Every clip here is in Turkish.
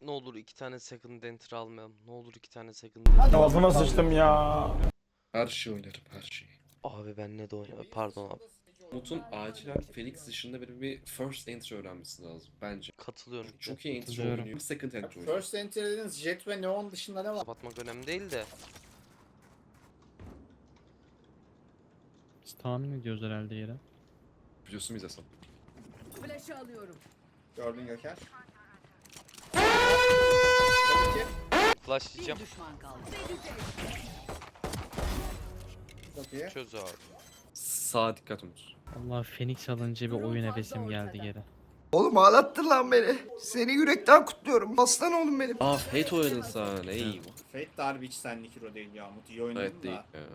Ne olur 2 tane second enter almayalım. Ne olur 2 tane second enter. Ağzıma sıçtım ya. Her şeyi oynarım, her şeyi. Abi ben ne de oynayayım. Pardon abi. Umut'un acilen Phoenix dışında bir first entry öğrenmesi lazım bence. Katılıyorum. Çok iyi entry Katılıyorum. oynuyor. Second entry oynuyor. First entry dediniz, Jet ve Neon dışında ne var? Kapatmak önemli değil de. Biz tahmin ediyoruz herhalde yere. Biliyorsun biz Hasan. Flash'ı alıyorum. Gördün Göker. Flash Bir diyeceğim. düşman kaldı. Çok iyi. Çöz abi. Sağa dikkat Umut. Allah Phoenix alınca bir oyun hevesim geldi geri. Oğlum ağlattın lan beni. Seni yürekten kutluyorum. Aslan oğlum benim. Aa Fate oynadın sen. Eyvah. Fate de harbi hiç senlik hero değil ya. Umut iyi oynadın Evet değil. da. Ya.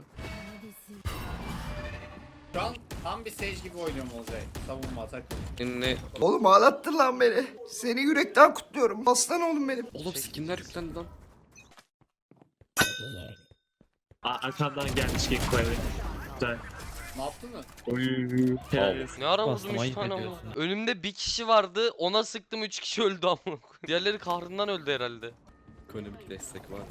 Şu an tam bir Sage gibi oynuyorum Olcay. Savunma atak. Ne? Oğlum ağlattın lan beni. Seni yürekten kutluyorum. Aslan oğlum benim. Oğlum skinler yüklendi lan. Arkamdan gelmiş Gekko evet. Güzel. Ne yaptın mı? Helal olsun. Ne ara Bastım, vurdum 3 ayıp tane ama. ediyorsun. Önümde bir kişi vardı. Ona sıktım 3 kişi öldü ama. Diğerleri kahrından öldü herhalde. Ekonomik destek var.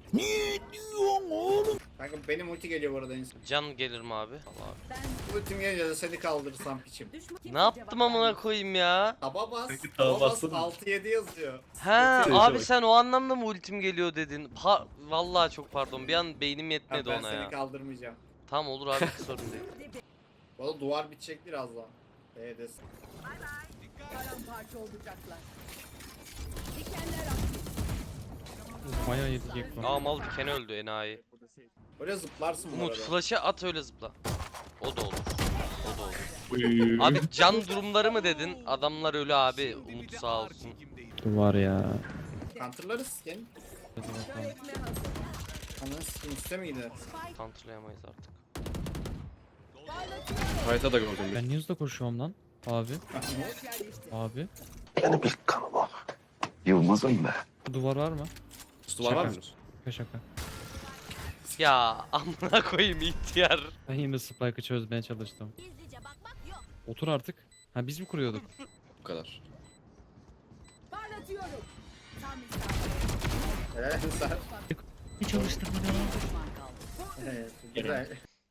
Kanka benim ulti geliyor bu arada insan. Can gelir mi abi? Allah abi. Ultim gelince de seni kaldırırsam piçim. Ne yaptım amına koyayım ya? Taba bas. Peki, Taba taba bas bastın mı? 6-7 yazıyor. He Ulti abi bak. sen o anlamda mı ultim geliyor dedin? Vallahi çok pardon. Bir an beynim Ha, yetmedi ben ona seni ya. kaldırmayacağım. Tamam olur abi sorun değil. Bu arada duvar bitecek birazdan. B'desin. Paramparça olacaklar. Dikenler aktif. Bayağı yedi Gekko. Aa mal dikeni öldü enayi. Böyle zıplarsın bu Umut arada. flash'a at öyle zıpla. O da olur. O da olur. Abi can durumları mı dedin? Adamlar ölü abi. Umut sağ olsun. Duvar ya. Counter'larız skin. Hadi bakalım. Öğretme hazır. Ananı skin üstte miydi? Kontrolayamayız artık. Parlatıyorum. Fight'a da gördüm bir. Ben niye hızla koşuyorum lan? Abi. Abi. Benim ilk kanıma. Yılmaz'ım be. Duvar var mı? Duvar var Şaka. mı? Şaka şaka. Ya amına koyayım ihtiyar. Ben yine Spike'ı çözmeye çalıştım. Otur artık. Ha biz mi kuruyorduk? Bu kadar. Parlatıyorum. Tam isabet. Helal sen. Ne çalıştım Bir düşman kaldı. Evet, güzel.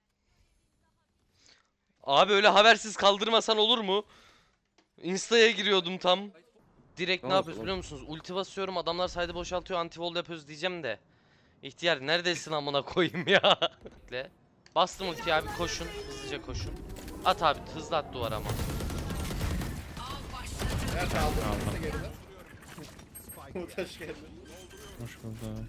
Abi öyle habersiz kaldırmasan olur mu? Insta'ya giriyordum tam. Direkt ne Tamam, yapıyoruz tamam. biliyor musunuz? Ulti basıyorum adamlar saydı boşaltıyor anti-wall yapıyoruz diyeceğim de. İhtiyar neredesin amına koyayım ya? Bekle. Bastım ultiyi abi koşun. Hızlıca koşun. At abi hızlı at duvar ama. Nerede kaldın? Nasıl geride? Umut hoş geldin. Hoş bulduk.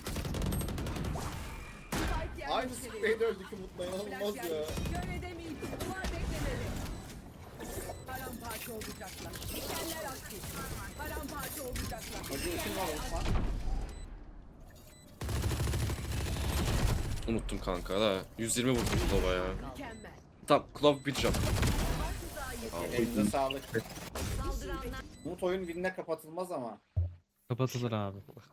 Spike Aynı yerleştirildi. spreyde öldük Umut'la inanılmaz Flash ya. yerleştirildi. Kör edemeyiz. Duvar beklemeli. Paramparça olacaklar. Dikenler aktif. Paramparça olacaklar. Hacı ultim var Umut. Unuttum kanka da. 120 vurdum Clove'a ya. Mükemmel. Tamam Clove bir jump. Elinize sağlık. Umut oyun win'e kapatılmaz ama. Kapatılır abi.